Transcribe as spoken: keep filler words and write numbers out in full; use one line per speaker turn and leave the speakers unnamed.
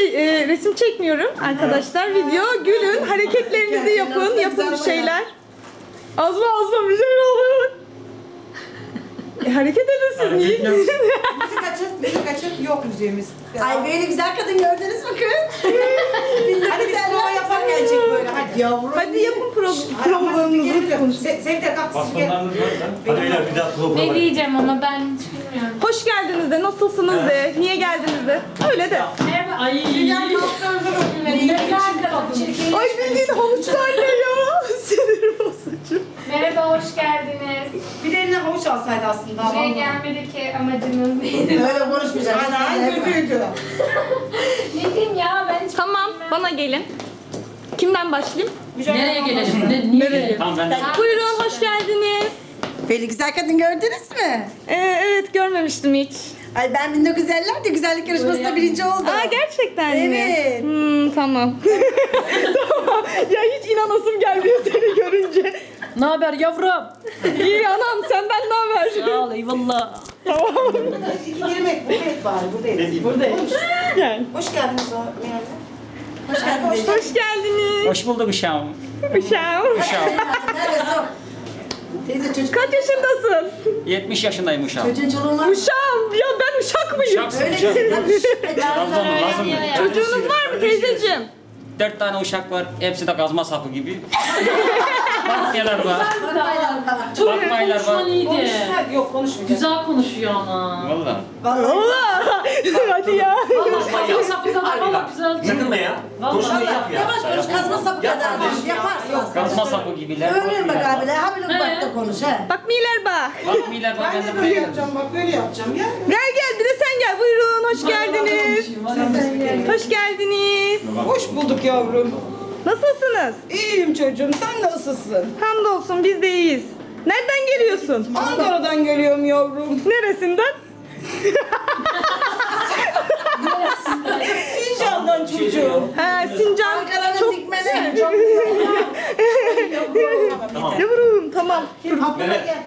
şey e, resim çekmiyorum arkadaşlar. Video gülün, hareketlerinizi yapın, yapın bir şeyler. Azma azma bir şey olur. E, hareket edin siz niye?
Müzik açıp, müzik açıp yok müziğimiz.
Ay böyle güzel kadın gördünüz mü kız?
Hadi biz prova yaparken çek böyle hadi.
Yavrum.
Hadi yapın pro
Hadi
provalarınızı konuşun.
Sevde kalk siz gel.
Bastonlarınız var mı? Hadi beyler bir daha prova
Ne
var.
diyeceğim ama ben hiç bilmiyorum.
Hoş geldiniz de, nasılsınız de, niye geldiniz de. Öyle de.
Merhaba. Ay.
Ay bildiğin havuçlar ne ya? Sinir bozucu.
Merhaba, hoş geldiniz.
Bir de eline havuç alsaydı aslında.
Buraya gelmedi ki amacınız neydi?
Öyle konuşmayacağım.
Ana gözüydü.
Ne diyeyim ya ben hiç
Tamam,
bilmem.
bana gelin. Kimden başlayayım?
Nereye gelelim? Ne, niye gelelim?
Tamam ben de.
Buyurun, hoş geldiniz.
Böyle güzel kadın gördünüz mü?
Ee, evet, görmemiştim hiç.
Ay ben bin dokuz yüz ellilerde güzellik yarışmasında birinci oldum.
Aa, gerçekten mi?
Evet.
Hmm, tamam. Tamam. Ya hiç inanasım gelmiyor seni görünce.
Ne haber yavrum?
İyi anam, senden ne haber?
Sağ ol eyvallah.
İki girmek buradayız bari buradayız.
Buradayım. Gel.
Hoş geldiniz o Meral.
Hoş geldiniz.
Hoş geldiniz.
Hoş bulduk uşağım.
Uşağım.
Uşağım.
Neresi o? Teyze çocuk.
Kaç yaşındasın?
yetmiş yaşındayım uşağım.
Çocuğun çoluğun var mı?
Uşağım. Ya ben uşak mıyım?
Uşaksın
Öyle
uşağım.
değil. Tabii.
Trabzonlu lazım mı?
Çocuğunuz var mı teyzeciğim?
Dört tane uşak var. Hepsi de kazma sapı gibi. Bakmayalar var. Bakmaylar var.
Konuşman iyiydi.
Hadi yok konuşmayacağız.
Güzel konuşuyor ama.
Valla.
Allah. Hadi ya.
Vallahi kazma sapı kadar valla güzel.
Yakınma ya. Konuşmayı yap ya.
Yavaş konuş kazma sapı kadar. Yaparsın.
Kazma sapı gibiler.
Ömrün bak
bakmayalar
abiyle.
var.
Ha böyle bak da konuş ha.
Bak Miler bak.
Bakmayalar var.
Ben
Ben
de
de
böyle
böyle.
yapacağım bak böyle yapacağım ya.
Gel gel bir de sen gel. Buyurun hoş geldiniz. Hoş geldiniz.
Hoş bulduk yavrum.
Nasılsınız?
İyiyim çocuğum sen nasılsın?
Hamdolsun biz de iyiyiz. Nereden geliyorsun?
Ankara'dan geliyorum yavrum.
Neresinden?
Sincan'dan çocuğum.
Ha, Sincan.
Ankara'nın
Çok
dikmeni.
Yavrum tamam.
Mehmet.